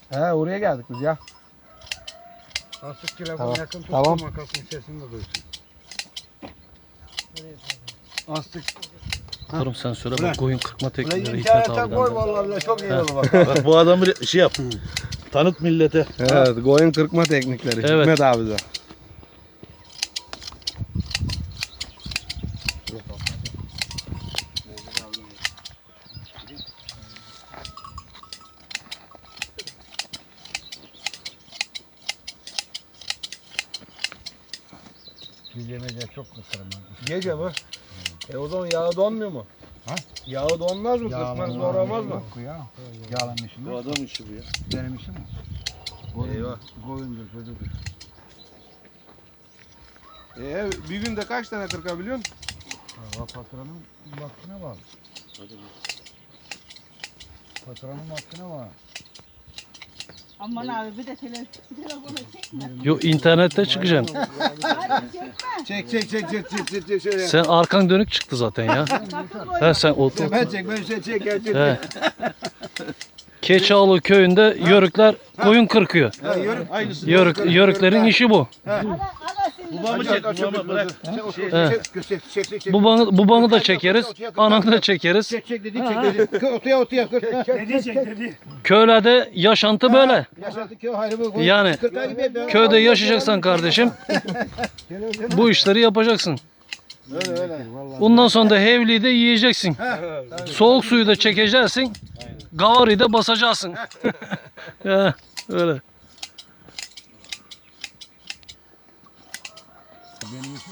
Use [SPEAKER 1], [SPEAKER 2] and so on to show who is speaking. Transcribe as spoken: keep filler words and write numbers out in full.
[SPEAKER 1] He oraya geldik biz ya.
[SPEAKER 2] Astık telefonu
[SPEAKER 1] Tamam.
[SPEAKER 2] yakın tuttum
[SPEAKER 1] Tamam.
[SPEAKER 2] makasın sesini de duysun. Astık.
[SPEAKER 3] Oğlum sen söyle bak koyun kırpma
[SPEAKER 2] Ulan
[SPEAKER 3] teknikleri Hikmet
[SPEAKER 2] internete
[SPEAKER 3] abiden.
[SPEAKER 2] koy vallahi bile çok iyi olur bak.
[SPEAKER 4] Bak bu adamı şey yap. Tanıt millete.
[SPEAKER 1] Evet koyun kırpma teknikleri.
[SPEAKER 3] Evet.
[SPEAKER 1] Hikmet abi de.
[SPEAKER 2] Biz yemeyeceğiz çok kısırım.
[SPEAKER 1] Gece mi? E o zaman yağı donmuyor mu?
[SPEAKER 2] Ha?
[SPEAKER 1] Yağı donmaz mı? Kırpmanız zor olmaz mı?
[SPEAKER 2] Ya. Yağlamışım.
[SPEAKER 4] Bu adam işi bu ya.
[SPEAKER 2] Benim işim mi?
[SPEAKER 1] Eyvah.
[SPEAKER 2] Koyundur çocuğudur.
[SPEAKER 1] E, bir günde kaç tane kırkabiliyorsun?
[SPEAKER 2] Valla patronun vaktine var. Patronun vaktine var.
[SPEAKER 5] Aman abi bir de tele, telefonu çekme.
[SPEAKER 3] Yo internette çıkacaksın.
[SPEAKER 5] Hadi çekme.
[SPEAKER 1] Çek çek çek çek çek çek çek şöyle.
[SPEAKER 3] Sen arkan dönük çıktı zaten ya. He sen otur.
[SPEAKER 1] Ben çek ben şey çek çek çek.
[SPEAKER 3] He. Keçialı köyünde yörükler koyun kırkıyor.
[SPEAKER 1] Ha, yörük.
[SPEAKER 4] Aynısı.
[SPEAKER 3] Yörük, yörüklerin işi bu.
[SPEAKER 5] Ana, ana senin.
[SPEAKER 4] Babamı çek, babamı bırak.
[SPEAKER 1] Çek
[SPEAKER 3] He.
[SPEAKER 1] çek çek çek çek çek.
[SPEAKER 3] Babanı, babanı da çekeriz, ananı da çekeriz.
[SPEAKER 1] Çek çek dedi çek dedi. Otuya otuya kır.
[SPEAKER 2] Dedi çek dedi.
[SPEAKER 3] Köylerde yaşantı böyle.
[SPEAKER 1] Yaşadık ya hayrı bu.
[SPEAKER 3] Yani köyde yaşayacaksan kardeşim bu işleri yapacaksın.
[SPEAKER 1] Öyle öyle.
[SPEAKER 3] Bundan sonra da hevliyi de yiyeceksin. Soğuk suyu da çekeceksin. Gavarıyı da basacaksın. He, öyle.
[SPEAKER 2] Benim